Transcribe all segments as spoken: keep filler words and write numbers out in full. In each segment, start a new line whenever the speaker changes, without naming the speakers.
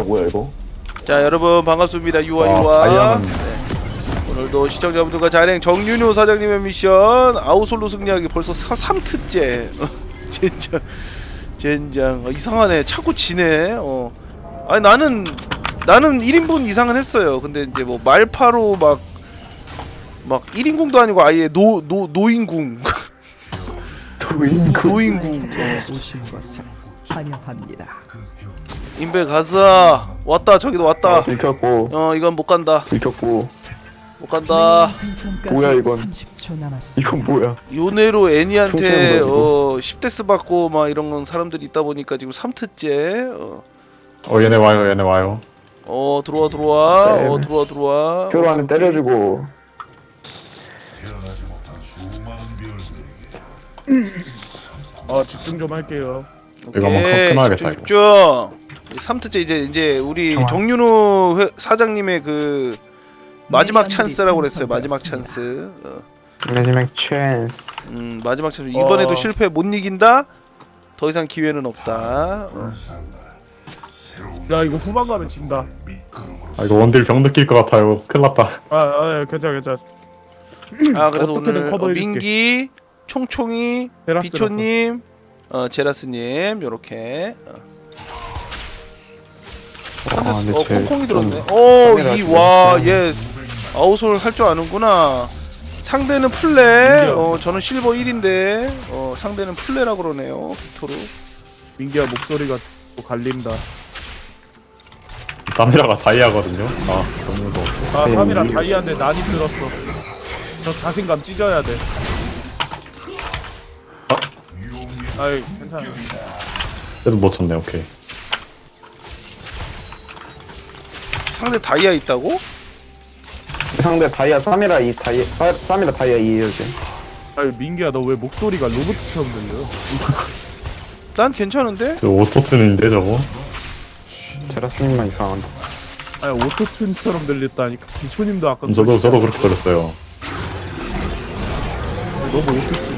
다이아 뭐야 이거?
자 여러분 반갑습니다. 유아
와,
유아.
다이아는
네. 오늘도 시청자분들과 자랭 정윤호 사장님의 미션 아우솔로 승리하기 벌써 삼 트째. 젠장 젠장. 어, 이상하네. 자꾸 지네. 어. 아니 나는 나는 일 인분 이상은 했어요. 근데 이제 뭐 말파로 막 막 일 인궁도 아니고 아예 노 노 노인궁.
도인구
노인궁. 어.
오신 것을 환영합니다.
인베 가자. 왔다. 저기도 왔다.
들켰고
어 이건 못 간다.
들켰고
못 간다.
생선까지
뭐야, 이건?
삼십 초 남았습니다.
이건 뭐야?
요네로 애니한테
충성을
어 십 데스 받고 막 이런 건 사람들이 있다 보니까 지금 삼 트째. 어,
어 얘네 와요 얘네 와요.
어 들어와 들어와.
네.
어 들어와 들어와.
교로하는 때려주고
아 집중 좀 할게요.
이거 한번
오케이.
끊어야겠다,
집중,
이거.
집중. 삼 트째 이제 이제 우리
좋아.
정윤호 회, 사장님의 그 마지막
미니언들이
찬스라고 그랬어요. 마지막
생성되었습니다.
찬스. 어.
마지막 찬스.
음 마지막 찬스. 이번에도
어.
실패 못 이긴다. 더 이상 기회는 없다. 어.
야 이거 후반 가면 진다.
아 이거 원딜 병 느낄 것 같아요. 큰일 났다.
아, 아 괜찮아 괜찮아.
아 그래서
어떻게든
오늘 어,
커버해줄게.
민기, 총총이,
테라스라서.
비초님, 어 제라스님 요렇게. 어.
아 근데
어
쟤
콩콩이
좀
들었네.
쌈이라서
오이와얘 아웃솔 할 줄 아는구나. 상대는 플레.
민기야.
어 저는 실버 일인데 어 상대는 플레라 그러네요. 빅토르.
민기야 목소리가 또 갈린다.
사미라가 다이아거든요. 아 너무 무서워.
아
네,
삼이랑
이-
다이아인데 난이 들었어. 저 자신감 찢어야 돼.
어?
아이 괜찮아.
그래도 못 쳤네. 오케이.
상대 다이아 있다고?
상대 다이아 삼이라 이 다이아 사- 삼이라 다이아 이에요 쟤.
아이 민기야 너 왜 목소리가 로봇처럼 들려?
난 괜찮은데?
저 오토튠인데 저거.
제라스님만 이상한데.
아니 오토튠처럼 들렸다니까. 비초님도 아까
저도 저도 그렇게 들었어요.
너무 오토튠.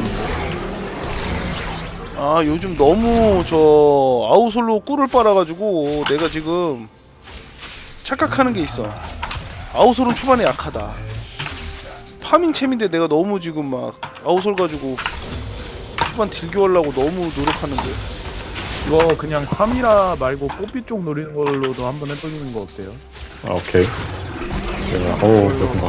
아 요즘 너무 저 아웃솔로 꿀을 빨아가지고 내가 지금 착각하는 게 있어. 아웃솔은 초반에 약하다. 파밍챔인데 내가 너무 지금 막 아웃솔 가지고 초반 딜교하려고 너무 노력하는데.
이거 그냥 삼이라 말고 뽀삐 쪽 노리는 걸로도 한번 해보는 거 어때요?
아 오케이. 제가 오 그렇구나.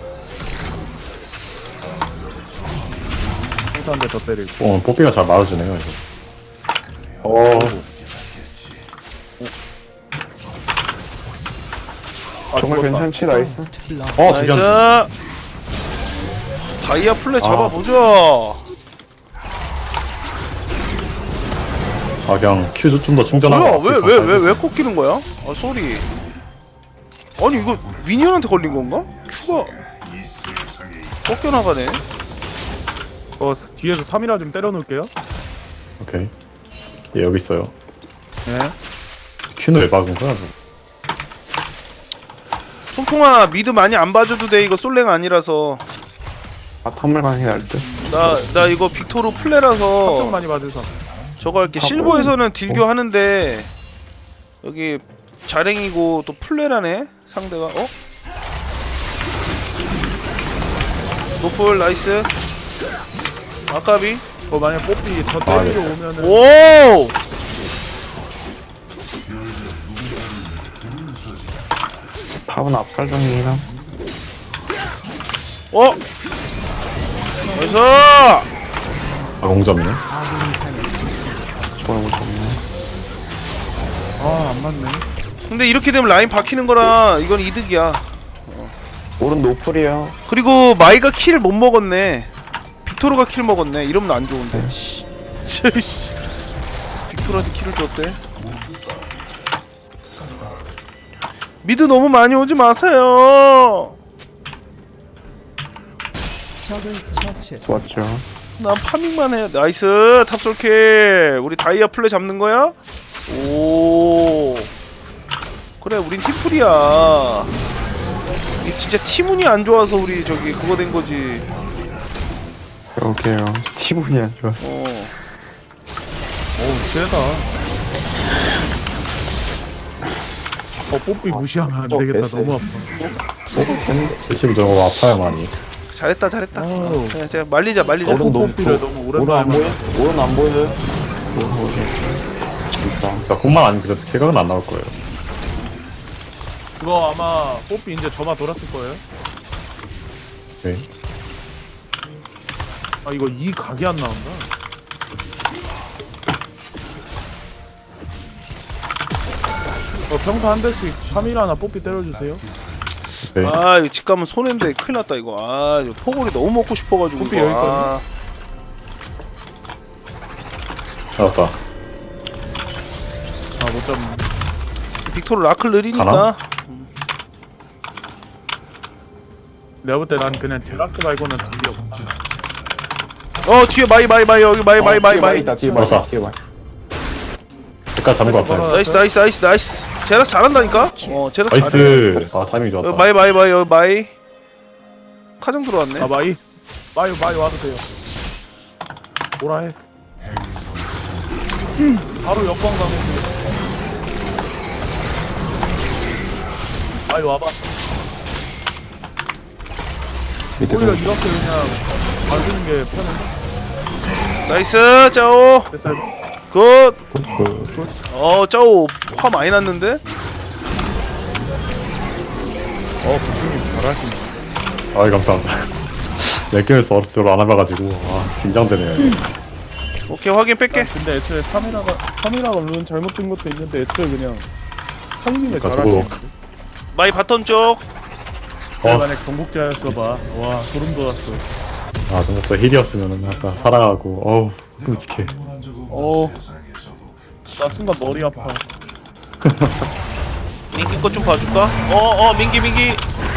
한대 더 때리고.
어 뽀삐가 잘 맞아주네요 이거.
어
아,
정말
죽었다.
괜찮지 나이스.
어 저기 한.
나이스. 다이아 플레 잡아보자.
아 그냥 큐 좀 더
뭐야?
충전하고.
왜 왜 왜 왜 꺾이는 거야? 아 쏘리. 아니 이거 미니언한테 걸린 건가? 큐가 꺾여 나가네.
어 뒤에서 삼이라 좀 때려놓을게요.
오케이. 예 여기 있어요.
네.
큐는 왜 박은 거야? 저거?
통통아 미드 많이 안 봐줘도 돼. 이거 솔랭 아니라서.
바텀을 가는 게 나을 듯.
나 나 이거 빅토르
걱정
플레라서
많이 받으셔.
저거 할게.
아,
실버에서는 딜교 하는데 여기 자랭이고 또 플레라네 상대가. 어? 노플 나이스. 아까비.
어 만약 뽀삐 저 때리러 오면은
오!
탑은 압살 중이긴 함.
어? 나이스!
아 공점이네.
좋아요 좋네.
아 안 맞네.
근데 이렇게 되면 라인 박히는 거라 이건 이득이야.
오른 노플이야.
그리고 마이가 킬을 못 먹었네. 빅토르가 킬 먹었네. 이러면 안 좋은데. 씨. 빅토르한테 킬을 줬대. 미드 너무 많이 오지 마세요.
적을 처치했습니다.
좋았죠.
난 파밍만 해. 나이스 탑솔킬. 우리 다이아 플레 잡는 거야? 오. 그래 우린 팀플이야. 이게 진짜 팀운이 안 좋아서 우리 저기 그거 된 거지.
그러게요. 기분이 안 좋았어.
어.
어우 세다. 어 뽀삐 무시하면 안
어,
되겠다.
됐어요.
너무 아파.
실심 저거 아파요 많이.
잘했다 잘했다.
아우.
그냥 제가 말리자 말리자.
오른 너무
뽀삐를 너무
오른 안
오랜만에
보여? 오른 안 보여? 오른 보여. 진짜.
그러니까 공만 아니면 그래도 쾌각은 안 나올 거예요.
그거 아마 뽀삐 이제 점화 돌았을 거예요.
네.
아 이거 이 각이 안 나온다. 어 평소 한 대씩 삼 일 하나 뽀삐 때려주세요.
네.
아 이거 집 가면 손해인데 큰일 났다 이거. 아 이거 포골이 너무 먹고 싶어가지고.
뽀삐
이거.
여기
아,
잡았다.
아 못 잡네.
빅토르 라클 느리니까.
가나?
내가 볼 때 난 그냥 제라스 말고는 답이 없어.
어 뒤에 마이 마이 마이 여기 마이 마이
어,
마이
뒤에
마이.
있다, 뒤에 마이
맞다.
있다, 뒤에 마이.
여기까지 잡은 거 같아요.
나이스 나이스 나이스 나이스. 제라스 잘한다니까. 어 제라스 잘해.
나이스. 아 타이밍 좋았다.
여기 마이 마이 마이 여기 마이. 카정 들어왔네.
아 마이 마이 마이 와도 돼요. 뭐라 해. 음, 바로 역광 가면 마이 와봐.
밑에서
오히려 이렇게 그냥 봐주는 게 편해.
나이스 짜오.
됐어요.
굿.
그
어 짜오 화 많이 났는데.
어 부승님 잘하시네.
아이 감사합니다. 몇 개에서 별로 안 해봐가지고 아 긴장되네요.
오케이 확인 뺄게.
근데 애초에 삼 일화가 삼 일화가 물론 잘못된 것도 있는데 애초에 그냥 상님의
그러니까
잘하시는.
저거-
마이 바텀 쪽.
내가
어.
만약 경복자였어 봐. 와 소름 돋았어.
아 정말 또 힐이었으면은 아까 살아가고 어우 끔찍해.
어. 나 순간 머리 아파.
민기 것 좀 봐줄까? 어어 민기 민기.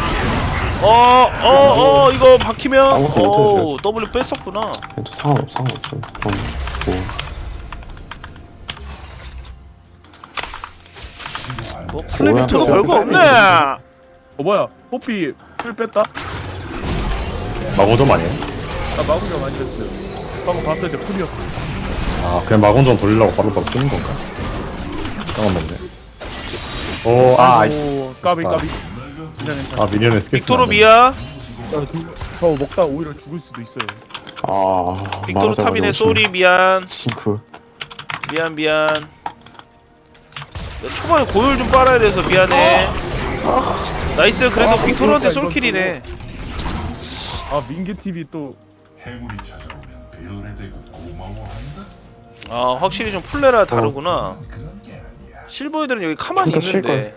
어어어 어, 이거 박히면
아무것도
어
못해줘요.
W 뺐었구나.
그래도 상관없어, 상관없어. 그럼 뭐
뭐 플레이트로
뭐야,
별거 없네.
어 뭐야? 뽀삐 풀 뺐다?
마고점 아니에요?
나 마구가 많이 뺐어요. 방금 봤을 때 풀이었어.
아 그냥 마곤점 돌리려고 바로 바로 쓰는 건가? 잠깐만요. 오아
아이고 까비
아.
까비. 괜찮아 괜찮아.
아 미니언에 스케치.
빅토르 미야.
저 먹다 오히려 죽을 수도 있어요.
아
빅토르
말하자마자
탑이네
오시네.
쏘리 미안.
싱크.
미안 미안. 야, 초반에 고열 좀 빨아야 돼서 미안해. 나이스 그래도
아,
빅토르한테
그러니까
솔킬이네.
아 민기 티비 또
행운이 찾아오면 별에 대고 고마워한다.
아 확실히 좀 플레라 다르구나.
그런 게 아니야.
실버 애들은 여기 가만히
그러니까
있는데.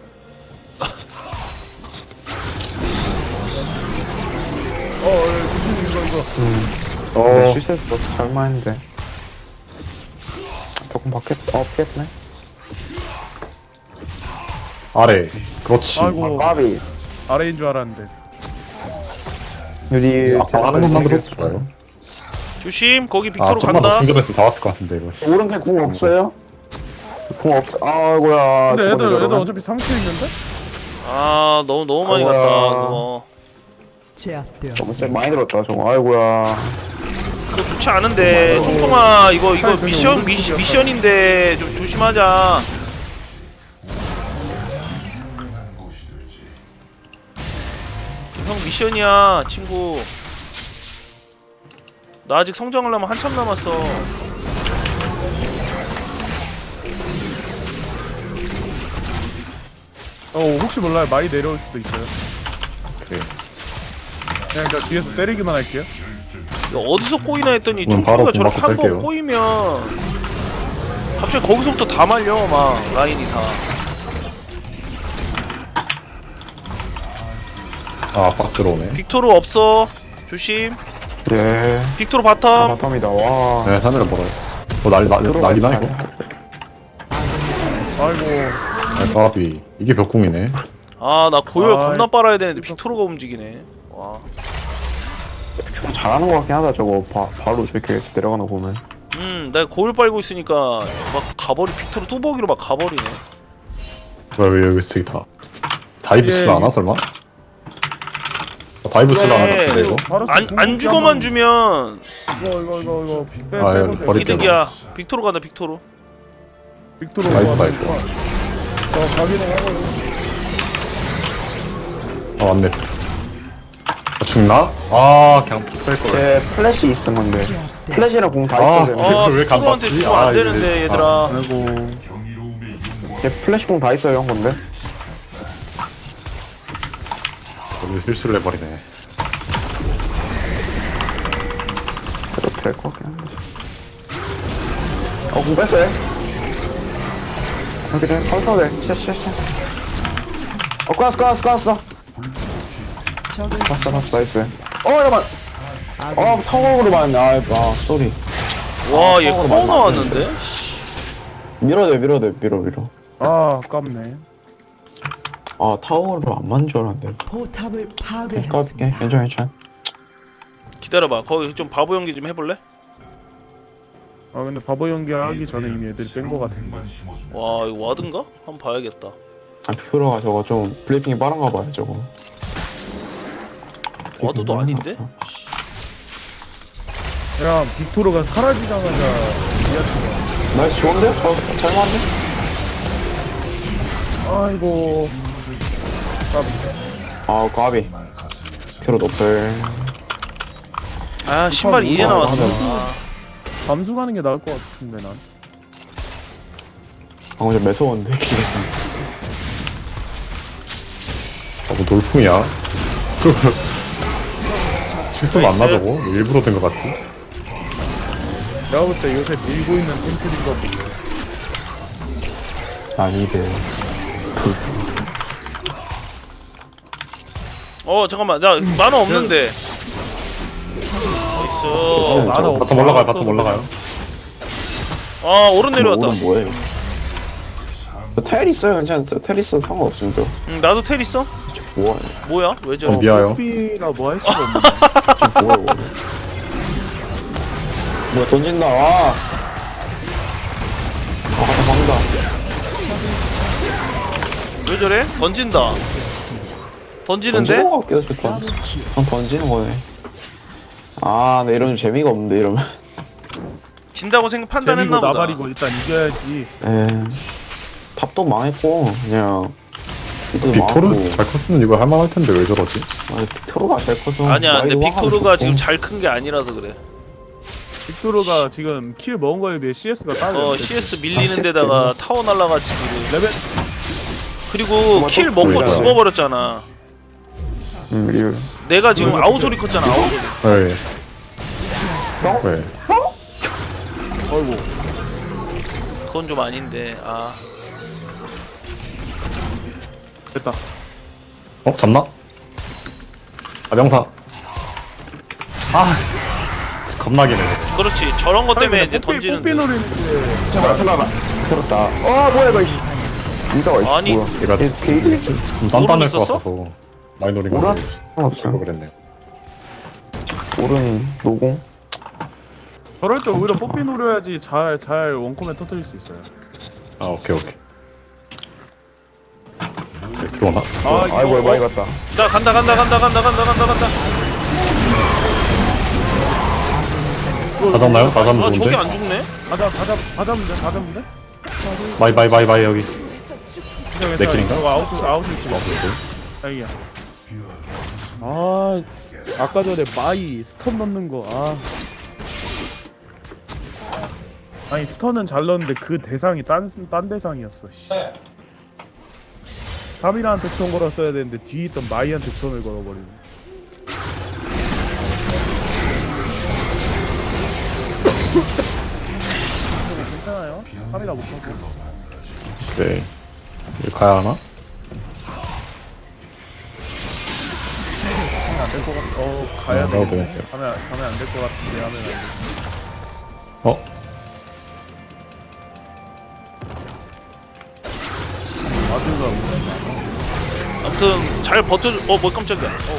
어, 어 이거 이거 이거.
어.
어
실수해서 버스 잘만했는데. 조금 바뀌었, 어, 피했네.
아래. 그렇지.
아이고
까비.
아래인 줄 알았는데.
유리.
아까 하는 것만 들어도 좋아요.
조심 거기
아
빅토르
좀만 더
간다.
충전했으면 잡았을 것 같은데 이거.
오른 그냥 궁 없어요? 궁 없어. 아이고야.
근데 애들
저번에
애들
저러면.
어차피 상체 있는데?
아 너무 너무 많이
아이고야.
갔다 그거.
제압되었습니다.
너무 쎄 많이 들었다 저거. 아이고야.
그거 좋지 않은데 통통아 이거 이거
저기
미션
오른쪽이었다.
미시, 미션인데 좀 조심하자.
유명한 곳이 되지.
형 미션이야 친구. 나 아직 성장하려면 한참 남았어.
어 혹시 몰라요 많이 내려올 수도 있어요.
오케이.
그냥 저 뒤에서 때리기만 할게요.
이거 어디서 꼬이나 했더니
그럼 바로
총총이가 저렇게
공
한
맞고
번
뺄게요.
꼬이면 갑자기 거기서부터 다 말려 막 라인이 다.
아빡 들어오네.
빅토르 없어 조심.
예.
빅토르
아,
바텀.
바텀이다. 와.
네 하늘을 벌어요. 어 난리 난리 난리나 이거.
아이고
아 까비. 이게 벽궁이네.
아 나 고열
아이.
겁나 빨아야 되는데 빅토르가 움직이네. 와.
잘하는 것 같긴 하다 저거. 바, 바로 저렇게 내려가는 거 보면.
음, 내가 고열 빨고 있으니까 막 가버리 빅토르 뚜벅이로 막 가버리네.
뭐야 왜 여기 저기 다 다이브
예,
치려 하나
이-
설마? 아, 다이브 치려 하나
그래.
같은데 이거?
바로
안 안 죽어만 주면
이거 이거 이거 이거 빼
아,
빼도
예,
돼.
버릴게요.
이득이야. 빅토르 간다 빅토르.
빅토르
나이스,
와,
나이스.
어 가기는 하고
아 맞네. 아, 죽나? 아 그냥 뺄걸.
제 플래시 있은 건데 플래시랑 공 다
아,
있어야 되는데
아
왜안
프로한테
받지?
주면
아,
안
이제-
되는데 얘들아.
아.
아이고.
제 플래시 공 다 있어야 한 건데
여기 실수를 해버리네.
그래도 될 것 같긴 한데 어공 뺐어요 아 그래 컬터네 쎄쎄쎄 어 꺼놨어 꺼놨어 꺼놨어 봤어 봤어 나이스 어 잠깐만 어 성공으로 맞네 아, 아 쏘리
와 얘
아,
커
맞나?
나왔는데?
밀어야 돼 밀어야 돼 밀어 밀어
아 아깝네.
아 타워로 안 맞는 줄 알았는데
포탑을
까
파괴했습니다.
괜찮아 괜찮아
기다려봐. 거기 좀 바보 연기 좀 해볼래?
아 근데 바보 연기하기 전에 이미 애들이 뺀 거 같은데.
와 이거 와든가? 한번 봐야겠다.
아 피크로가 저거 좀 블리핑이 빠른가 봐요 저거
와드도 아닌데?
야 빅토르가 사라지자마자
나이스 좋은데? 어, 잘맞네
아이고.
아 까비 피크로 높을
아 신발이 이제
뭐야,
나왔어.
하잖아.
아,
감수 가는 게 나을 것 같은데 난.
방금 좀 매서웠는데 기계
아, 뭐 돌풍이야? 실수가 안 나 저거? 일부러 된 것 같지?
내가 볼 때 요새 밀고 있는 템플인 거 보고.
아니대
어 잠깐만 나 만화 없는데. 나이스.
어, 나도 없어.
바텀 올라가요,
없어서
바텀 올라가요.
아 오른 내려왔다.
오른 뭐예요? 텔 있어요 괜찮았어요 텔 있어 상관없습니다
응, 나도 텔 있어?
뭐야
뭐야? 왜 저래?
어, 미아요.
삐라 뭐 할 수가 없네.
좀 뭐야 이거 뭐야 던진다 와 아, 갖다 박는다
왜 저래? 던진다. 던지는데?
던지는 거 같기도 좋다 그냥 던지는 거네 아 근데 이러면 재미가 없는데 이러면
진다고 생각 판단했나
재미고
보다.
나발이고 일단 이겨야지.
에 탑도 망했고 그냥 이도
빅토르
망하고
잘 컸으면 이거 할만할 텐데 왜 저러지?
아니 빅토르가 잘 커서
아니야 근데
나이도
빅토르가
화가
지금
좋고.
잘 큰 게 아니라서 그래.
빅토르가 지금 킬 먹은 거에 비해 씨에스가 따로.
어 씨에스 밀리는
아, 씨에스
데다가
때문에.
타워 날라가지고
레벨
그리고 킬 먹고
보이잖아.
죽어버렸잖아.
음 리얼
내가 지금 아우소리 컸잖아 아우소리.
네.
어?
네.
어이구.
그건 좀 아닌데 아
됐다.
어? 잡나? 아 명사. 아 겁나긴 해.
그렇지 저런 것 때문에
아니,
이제
근데 뽀삐, 뽀삐
던지는데
노리는데.
자 슬라가 슬었다 어 뭐야 이거 이씨 인사가 있어
아니.
뭐야
얘가
얘 게이드
좀 단단할 것
있었어?
같아서 많이 노린 거
오라?
같아요.
없어
그랬네.
오른 노공
저럴 때 오히려 뽀삐 노려야지 잘 잘 원콤에 터뜨릴 수 있어요.
아 오케이 오케이. 네, 들어오나?
아
아이고
이거
많이 갔다
자 간다 간다 간다 간다 간다 간다 간다.
다 잡나요? 다 잡으면
아 저게
좋은데?
안 죽네?
가자 가자 가자면 돼 가자면 돼.
마이 마이 마이 마이 여기.
괜찮아,
내 킬인가?
이거 아웃 아웃 킬. 다행이야. 아 아까 전에 마이 스턴 넣는 거 아. 아니 스턴은 잘 넣었는데 그 대상이 딴, 딴 대상이었어 씨. 사미라한테 스턴 걸었어야 되는데 뒤에 있던 마이한테 스턴을 걸어버리네. 괜찮아요? 사미라 못 하고.
네. 여기 가야 하나?
가면 안될 것 같. 어 가야
어,
돼.
나도 되겠네요.
가면 가면 안 될 것 같은데 하면 안 돼.
어?
아주가 오네.
아무튼 잘 버텨줘. 어뭐 깜짝이야. 어.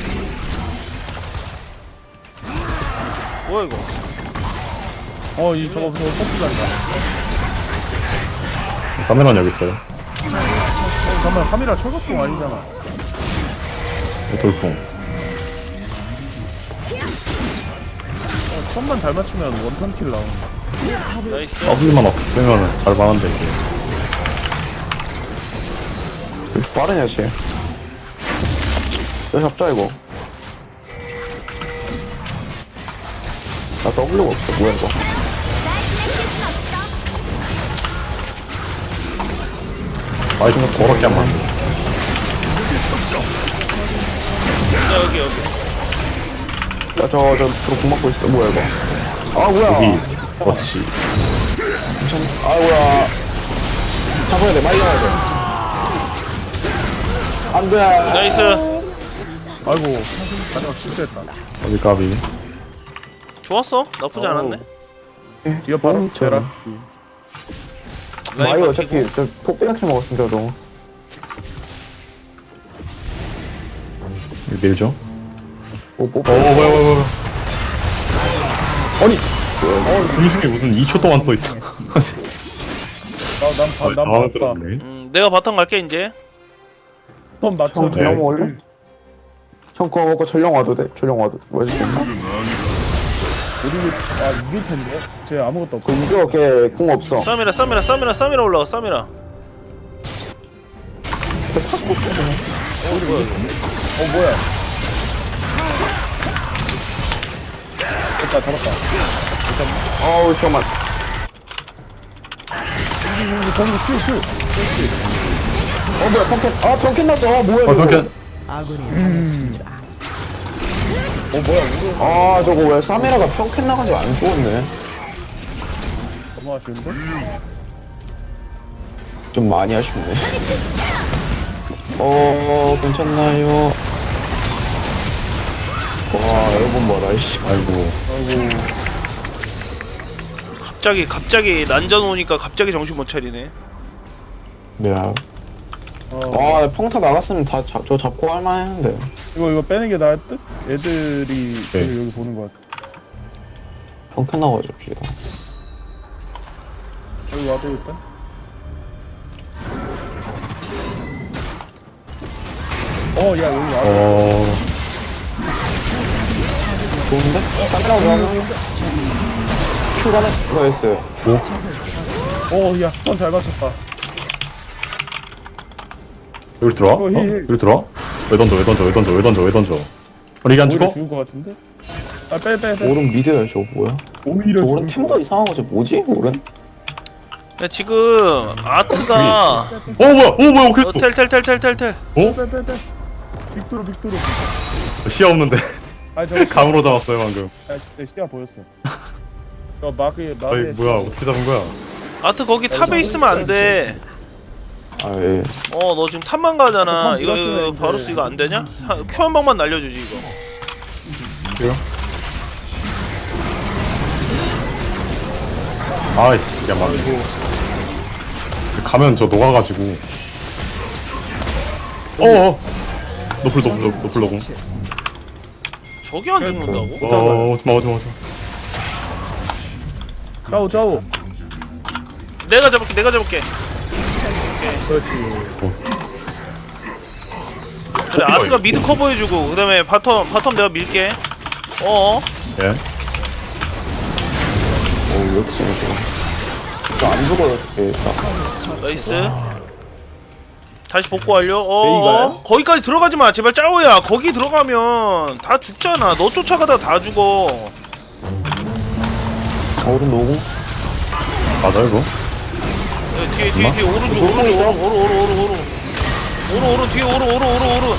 뭐야 이거?
어이 저거 저거 뽑기 간다.
카메라는 여기 있어요.
어 잠깐만 삼이라 철갑공 아니잖아.
돌풍.
어 선만 잘 맞추면 원턴 킬 나오는.
나이스.
더블만 없으면 잘 만한데 이게.
왜 이렇게 빠르냐 쟤 왜 잡자 이거? 나 W가 없어. 뭐야 이거?
아이 좀 더럽게 안 맞네.
자 여기 여기.
야, 저, 저, 프로 공 맞고 있어. 뭐야, 이거. 아, 뭐야.
여기 그렇지.
참, 아, 뭐야. 잡아야 돼, 말려야 돼. 안 돼.
나이스.
아이고 마지막 실수했다.
까비 까비.
좋았어. 나쁘지 않았네.
뒤에 바로
음, 저-
베라스.
마이
라인
어차피, 저, 폭배같이 먹었으니까, 너.
이거 밀죠.
오, 뽀,
어 뭐야 뭐야 뭐야. 아니. 어 분수이 무슨 이 초 동안 써 있어.
나난난 봤다.
당황스럽네.
음, 내가 바텀 갈게 이제.
턴 맞춰.
형, 전령 먹을래? 형, 그거 먹고 전령 와도 돼? 전령 와도 돼. 뭐지?
우리 아 이길 텐데. 쟤 아무것도 없고.
그, 이거, 걔궁 없어.
쌈이라 쌈이라 쌈이라 쌈이라 올라가 쌈이라.
어 뭐야? 됐다 잡았다.
어우, 잠깐만.
우리 전부 큐 큐.
어, 뭐야, 펑켓. 아, 펑켓 났어. 아, 뭐야,
어
이거.
저렇게
아군이 당했습니다.
어 뭐야 우리
아, 저거 왜 사메라가 펑켓 나가지고 안 죽었네.
너무 아쉬운데?
좀 많이 아쉽네. 어, 괜찮나요? 와, 여러분 뭐라, 이씨.
아이고.
갑자기 갑자기 난전 오니까 갑자기 정신 못 차리네.
야.
어
아, 평타 나갔으면 다 잡, 저 잡고 할만 했는데.
이거 이거 빼는 게 나을 듯? 애들이
네.
여기, 여기 보는 거 같아.
평타 나가지고, 피가.
여기 와도 일단. 어야 여기 와.
어.
좋은데? 쌍라고 좋아하는 큐가는 이거였어요.
어야 턴 잘 맞췄다.
여기 들어와? 어?
어, 힐, 힐.
여기 들어와? 왜 던져 왜 던져 왜 던져 왜 던져 왜 던져? 어 이게 안
오히려
죽어?
죽을 것 같은데? 아 빼 빼 빼.
오른 미드야, 저거 뭐야?
오히려
저 오른
죽을
템도 이상한 거지, 뭐지? 오른?
야, 지금 아트가
어 뭐야? 어 뭐야? 오케이.
어, 텔텔텔텔텔텔.
어?
빼빼빼. 빅토르 빅토르.
시야 없는데
아 저거
감으로 잡았어요 방금.
아 진짜 시야 보였어. 저 마크에
아이
마크에.
뭐야 어떻게 잡은 거야?
아트 거기 탑에 있으면 안 돼.
아, 예.
어, 너 지금 탑만 가잖아.
탑
이거
밀었으면
이거
이제-
바루스 이거 안 되냐? 큐 한 방만 날려주지 이거.
그래요? 아이씨 야 막. 가면 저 녹아가지고. 어어. 노플 노플 노플 노플 노플.
저기 안 죽는다고?
어 오지마 오지마 오지마.
짜오 짜오.
내가 잡을게. 내가 잡을게.
그렇지.
그래 아트가 미드 커버해주고 그다음에 바텀 바텀 내가 밀게. 어.
예.
오, 역시, 저거. 저안 죽어요, 저게. 딱.
나이스. 다시 복구 완료. 어,
베이가요?
어? 거기까지 들어가지 마. 제발 짜오야. 거기 들어가면 다 죽잖아. 너 쫓아가다 다 죽어.
오른 노공?
맞아 이거?
야, 뒤에 뒤에 뒤에 오른쪽 오른쪽 오른 오른 오른 오른 오른 오른 오른 뒤에 오른 오른 오른 오른.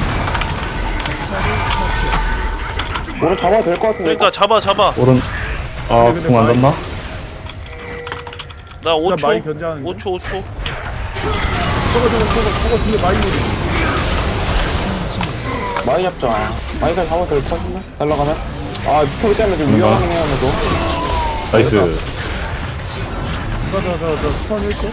오른 잡아도 될 것 같은데.
그러니까 잡아 잡아.
오른. 아
근데
궁 안
많이-
닿나?
나 오 초.
많이 견제하는데.
오 초 오 초.
저거 저거 저거 저거 뒤에 많이 오리.
많이 잡자. 많이가 잡아도 될 것 같은데? 날라가면? 아, 미터리 때문에 좀 위험하긴 해요, 그래도.
나이스.
저저저저 스턴 일치.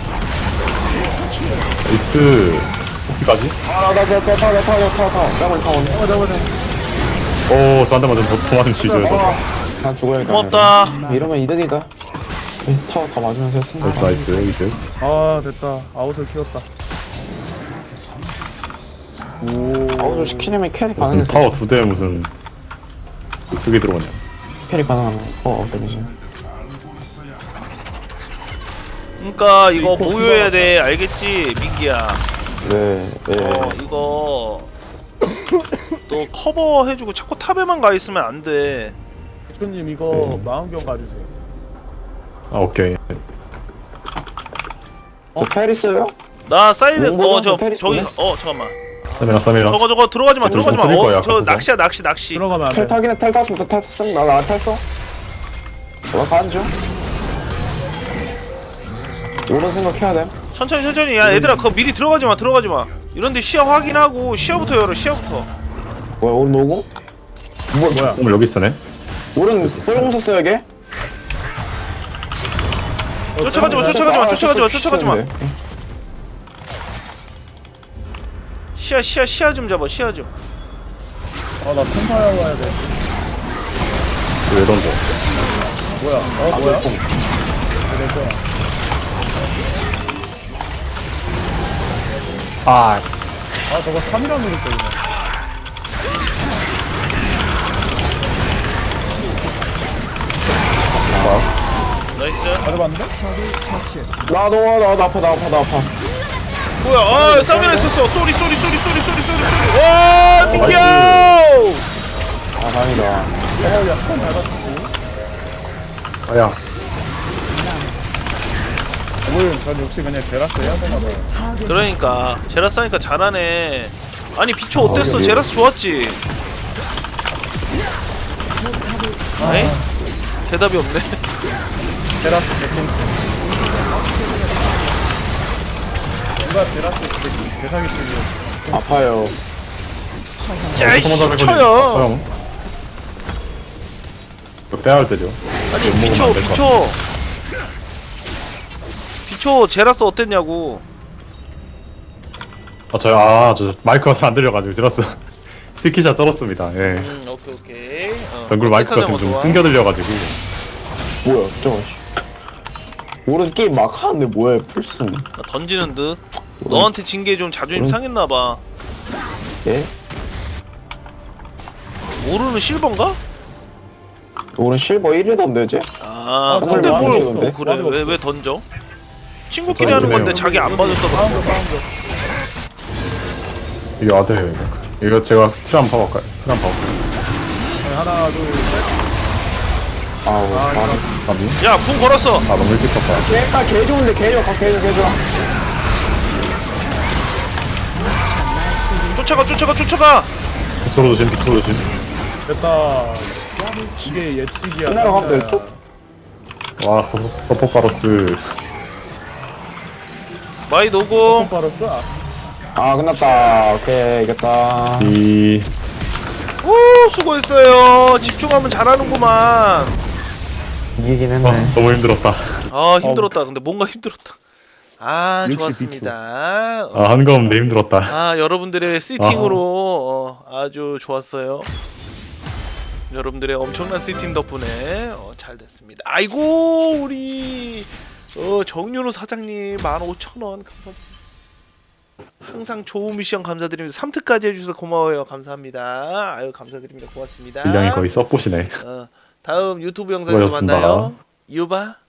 나이스. 어디까지?
아, 나, 나, 나, 타, 타, 타, 타, 타. 더블 타운.
어 잡아 잡아.
오 저한테 맞으면 더, 더 맞으면 지죠 이거.
아, 난 죽어야겠다.
고맙다.
이러면 이득이다. 이 타워 다 맞으면서 했습니다.
나이스 나이스 이제.
아 됐다. 아웃을 키웠다. 오.
아우, 저 시키려면 캐리
무슨
가능해.
타워 두 대에 무슨 그게 들어오냐?
캐리 가능하네. 어, 어떡하지?
그러니까 이거 보유해야 돼. 알겠지, 민기야.
네, 네.
어 이거 너 커버해주고 자꾸 탑에만 가 있으면 안 돼.
대표님 이거
네.
망원경 가주세요.
아 오케이.
저 페리스요?
나 사이드
롱보다
어저
페리스
저기
보네?
어 잠깐만.
쌈이랑 쌈이랑.
저거 저거 들어가지 마
아,
들어가지 마.
좀 드릴 거야,
어 저
가서.
낚시야 낚시 낚시.
들어가면 안
텔
돼.
타긴 텔 탔으면 텔 탔음 나나 탔어 올라가는 중 오른 생각해야 돼
천천히 천천히 야 얘들아 그거 미리 들어가지 마 들어가지 마. 이런데 시야 확인하고 시야부터 열어 시야부터.
뭐야 오른 오고?
뭐 뭐야?
오늘 여기 있으네.
오른 뽀용서 써야게?
쫓아가지 마 쫓아가지 마 쫓아가지 마 쫓아가지 마. 시야 시야 시야 좀 잡아 시야 좀.
아나 템파이어 와야 돼.
왜 던져?
뭐야? 어 뭐야? 내 거야.
아
아 저거 삼이라 누를 거이네.
나이스.
가져봤는데?
나 너무 나, 나 아파 나 아파 나 아파
뭐야 아 쌈이라 있었어. 쏘리 쏘리 쏘리 쏘리 쏘리 쏘리 쏘리. 와 튕겨.
아 다행이다
어야 손 밟았지.
아야.
오늘 전 역시 그냥 제라스 해야 되나 봐요.
그러니까 제라스 하니까 잘하네. 아니 비초 어땠어? 제라스 좋았지? 아이? 대답이 없네.
제라스 백킹. 누가 제라스 백킹 대상이 치고.
아파요
짜이씨
쳐요.
쳐요.
이거 빼야 할 때죠.
아니
못 먹으면
비초
안될것
비초 비초 제라스 어땠냐고.
아 저요 아저 마이크가 잘 안 들려가지고 들었어. 스키샷 쩔었습니다. 예.
음 오케이 오케이. 어,
덩굴 마이크가
사장
지금 좀
좋아.
끊겨 들려가지고.
뭐야 저거 씨. 오른 게임 막 하는데 뭐야 풀슨
나 던지는 듯. 너한테 진 게 좀 자존심
음.
상했나봐.
예?
모르는 실버인가?
오른 실버 일이던데 이제?
아
아,
근데
나
뭘
던지던데?
어, 그래
맞아,
왜
맞아.
왜 던져? 친구끼리
어,
하는 건데
던지네요.
자기 안 봐줬어.
파운드 파운드.
이거 아드예요 이거. 이거 제가 킬 한번 봐볼까요? 킬 한번 봐볼까요?
하나 둘 셋.
아우
아,
아,
아비?
야 궁 걸었어.
아 너무 일찍 썼다.
걔가 개 좋은데 개 좋아 개 좋아 개 좋아
쫓아가 쫓아가 쫓아가.
빗소로 조심 빗소로 조심.
됐다. 이게 예측이야.
끝나러 가면 될
깜짝이야.
듯?
와 서포파로스.
마이 노공.
콤파로스? 아,
아 끝났다 오케이 이겼다
이
오 수고했어요. 집중하면 잘하는구만.
이기긴
아,
했네
너무 힘들었다.
아 힘들었다. 근데 뭔가 힘들었다. 아
역시
좋았습니다.
아 한검 내 힘들었다.
아 여러분들의 시팅으로 어, 아주 좋았어요. 여러분들의 엄청난 시팅 덕분에 어, 잘 됐습니다. 아이고 우리 어, 정윤호 사장님 만 오천 원 감사합니다. 항상 좋은 미션 감사드립니다. 삼 트까지 해주셔서 고마워요. 감사합니다. 아유 감사드립니다. 고맙습니다.
분량이 거의 썩보시네.
어, 다음 유튜브 영상에서
수고하셨습니다.
만나요. 유바.